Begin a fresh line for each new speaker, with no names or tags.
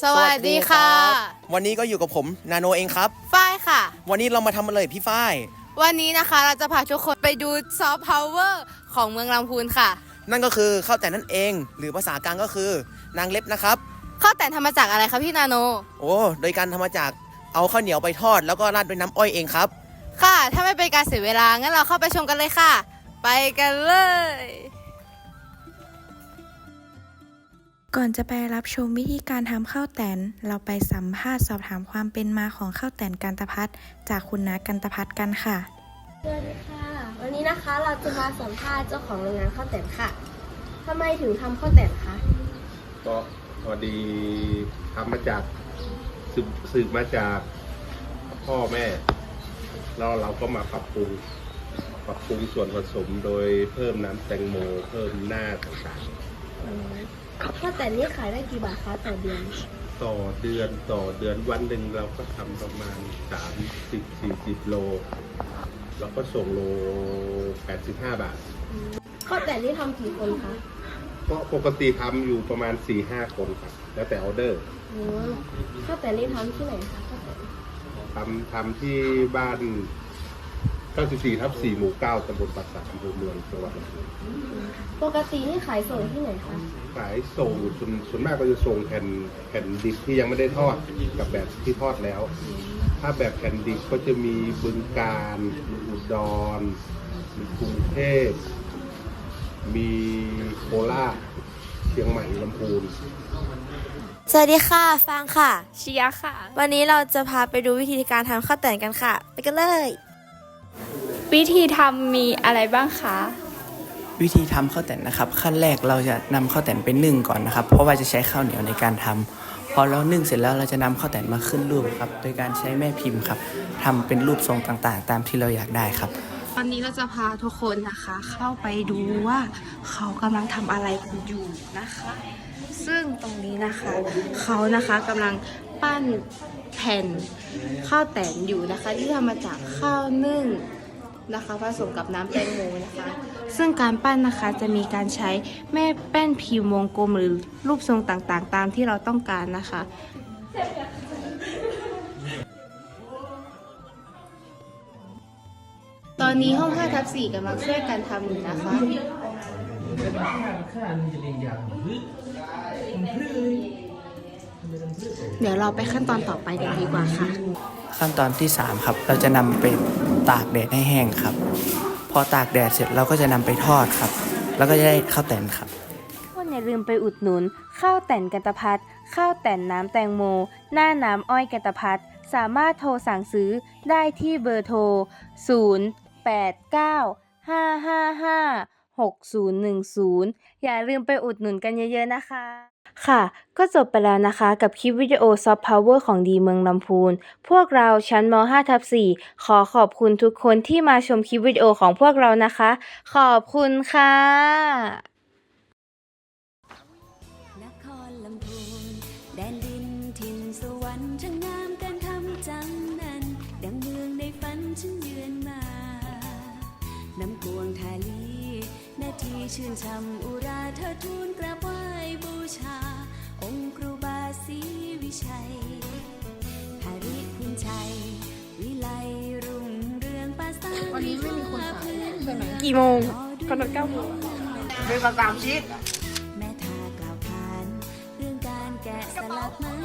สวัสดีค่ะ
วันนี้ก็อยู่กับผมนาโนเองครับ
ฝ้ายค่ะ
วันนี้เรามาทำอะไรพี่ฝ้าย
วันนี้นะคะเราจะพาทุกคนไปดูซอฟต์พาวเวอร์ของเมืองลำพูนค่ะ
นั่นก็คือข้าวแต่นนั่นเองหรือภาษากลางก็คือนางเล็บนะครับ
ข้าวแต่นทำมาจากอะไรคะพี่นาโน
โดยการทำมาจากเอาข้าวเหนียวไปทอดแล้วก็ราดด้วยน้ำอ้อยเองครับ
ค่ะถ้าไม่เป็นการเสียเวลางั้นเราเข้าไปชมกันเลยค่ะไปกันเลย
ก่อนจะไปรับชมวิธีการทำข้าวแตนเราไปสัมภาษณ์สอบถามความเป็นมาของข้าวแตนกันตภัทรจากคุณน้ากันตภัทรกันค่ะ
สวัสดีค่ะวันนี้นะคะเราจะมาสัมภาษณ์เจ้าของโรงงานข้าวแตนค่ะทำไมถึงทำข้าวแตนคะ
ก็พอดีทำมาจากสืบมาจากพ่อแม่แล้วเราก็มาปรับปรุงส่วนผสมโดยเพิ่มน้ำแตงโมเพิ่มหน้าต่าง
ๆข้าวแตนนี่ขายได้กี่บาทคะต่อเดือน
ต่อเดือนวันหนึ่งเราก็ทำประมาณ30-40 โลเราก็ส่งโล85 บาท
ข้าวแตนนี่ทำกี่คนคะ
ก็ปกติทำอยู่ประมาณ 4-5 คนครับแล้วแต่ออเดอร์
ข้าวแตนนี่ทำที่ไหนคะ
ทำที่บ้าน94/4 หมู่ 9 ตำบลปราสาทอำเภอเมืองจังหวัดลำพูน
ปกตินี่ขายส่งที่ไหนคะ
ขายส่งส่วนมากก็จะส่งแผ่นดิบที่ยังไม่ได้ทอดกับแบบที่ทอดแล้ว ถ้าแบบแผ่นดิบก็จะมีบึงกาฬอุดรมีกรุงเทพมีโคราชเชียงใหม่ลำพูน
สวัสดีค่ะฟางค่ะ
เชียค่ะ
วันนี้เราจะพาไปดูวิธีการทำข้าวแตนกันค่ะไปกันเลย
วิธีทำมีอะไรบ้างคะ
วิธีทำข้าวแต่นนะครับขั้นแรกเราจะนำข้าวแต่นไปนึ่งก่อนนะครับเพราะว่าจะใช้ข้าวเหนียวในการทำพอเรานึ่งเสร็จแล้วเราจะนำข้าวแต่นมาขึ้นรูปครับโดยการใช้แม่พิมพ์ครับทำเป็นรูปทรงต่างๆตามที่เราอยากได้ครับ
ตอนนี้เราจะพาทุกคนนะคะเข้าไปดูว่าเขากำลังทำอะไรกันอยู่นะคะซึ่งตรงนี้นะคะเขานะคะกำลังปั้นแผ่นข้าวแตนอยู่นะคะที่ทำมาจากข้าวนึ่งนะคะผสมกับน้ำแตงโมนะคะซึ่งการปั้นนะคะจะมีการใช้แม่แป้นพิมพ์วงกลมหรือรูปทรงต่างๆตามที่เราต้องการนะคะตอนนี้ห้อง 5/4 กำลังช่วยกันทำอยู่นะคะเดี๋ยวเราไปขั้นตอนต่อไปกันดีกว่าค่ะ
ขั้นตอนที่3ครับเราจะนำไปตากแดดให้แห้งครับพอตากแดดเสร็จเราก็จะนำไปทอดครับแล้วก็จะได้ข้าวแตนครับ
คนอย่าลืมไปอุดหนุนข้าวแตนกันตภัทรข้าวแตนน้ำแตงโมหน้าน้ำอ้อยกันตภัทรสามารถโทรสั่งซื้อได้ที่เบอร์โทร0895556010อย่าลืมไปอุดหนุนกันเยอะๆนะคะค่ะก็จบไปแล้วนะคะกับคลิปวิดีโอซอฟต์พาวเวอร์ของดีเมืองลำพูนพวกเราชั้นม5/4ขอขอบคุณทุกคนที่มาชมคลิปวิดีโอของพวกเรานะคะขอบคุณค่ะ
นครลำพูนแดนดินถิ่นสวรรค์ช่างงามการทำจังนั้นดังเมืองในฝันฉันเยือนมาน้ำกวงทาลีนาทีชื่นช่ำอุราเธอทูลกราบไหว้บูชาองค์ครูบาศรีวิชัยหาริพุนชัยวิไลรุ่งเรืองปราสาทวันนี้ไม่มีคนขายใช่ไหม
กี่โมงกำหนด9 โมง
เป็น3 ชิ้นแม่ทากล่าวขานเรื่องการแกะสลักไม้